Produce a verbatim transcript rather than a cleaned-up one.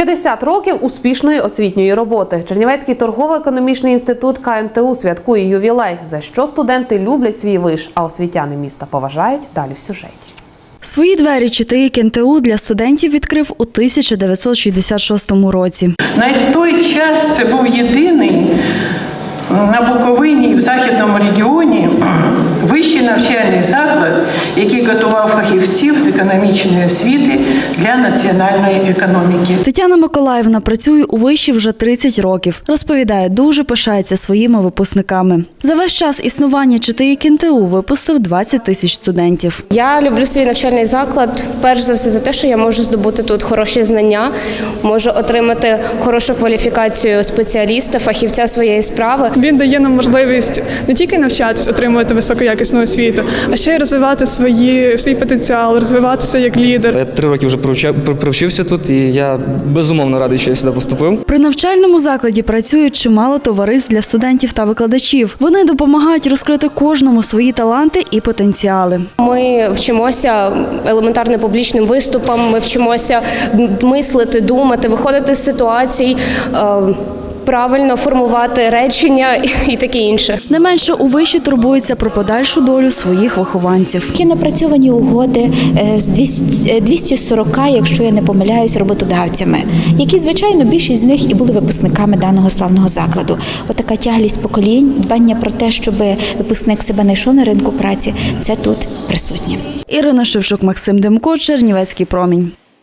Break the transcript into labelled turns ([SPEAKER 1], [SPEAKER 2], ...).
[SPEAKER 1] п'ятдесят років успішної освітньої роботи. Чернівецький торгово-економічний інститут Ка Ен Те У святкує ювілей, за що студенти люблять свій виш, а освітяни міста поважають. Далі в сюжеті.
[SPEAKER 2] Свої двері Че Те І Ка Ен Те У для студентів відкрив у тисяча дев'ятсот шістдесят шостому році.
[SPEAKER 3] На той час це був єдиний на Буковині, в Західному регіоні, вищий навчальний заклад, який готував фахівців з економічної освіти для національної економіки.
[SPEAKER 2] Тетяна Миколаївна працює у виші вже тридцять років. Розповідає, дуже пишається своїми випускниками. За весь час існування Че Те І Ка Ен Те У випустив двадцять тисяч студентів.
[SPEAKER 4] Я люблю свій навчальний заклад, перш за все, за те, що я можу здобути тут хороші знання, можу отримати хорошу кваліфікацію спеціаліста, фахівця своєї справи.
[SPEAKER 5] Він дає нам можливість не тільки навчатись, отримувати високоякісну освіту, а ще й розвивати свої, свій потенціал, розвиватися як лідер.
[SPEAKER 6] Я три роки вже провчився тут, і я безумовно радий, що я сюди поступив.
[SPEAKER 2] При навчальному закладі працюють чимало товариств для студентів та викладачів. Вони допомагають розкрити кожному свої таланти і потенціали.
[SPEAKER 4] Ми вчимося елементарно публічним виступам, ми вчимося мислити, думати, виходити з ситуацій, правильно формувати речення і таке інше.
[SPEAKER 2] Не менше у виші турбуються про подальшу долю своїх вихованців.
[SPEAKER 7] Є напрацьовані угоди з двісті сорок, якщо я не помиляюсь, роботодавцями, які, звичайно, більшість з них і були випускниками даного славного закладу. Отака тяглість поколінь, дбання про те, щоб випускник себе знайшов на ринку праці, це тут присутнє.
[SPEAKER 2] Ірина Шевчук, Максим Демко, Чернівецький промінь.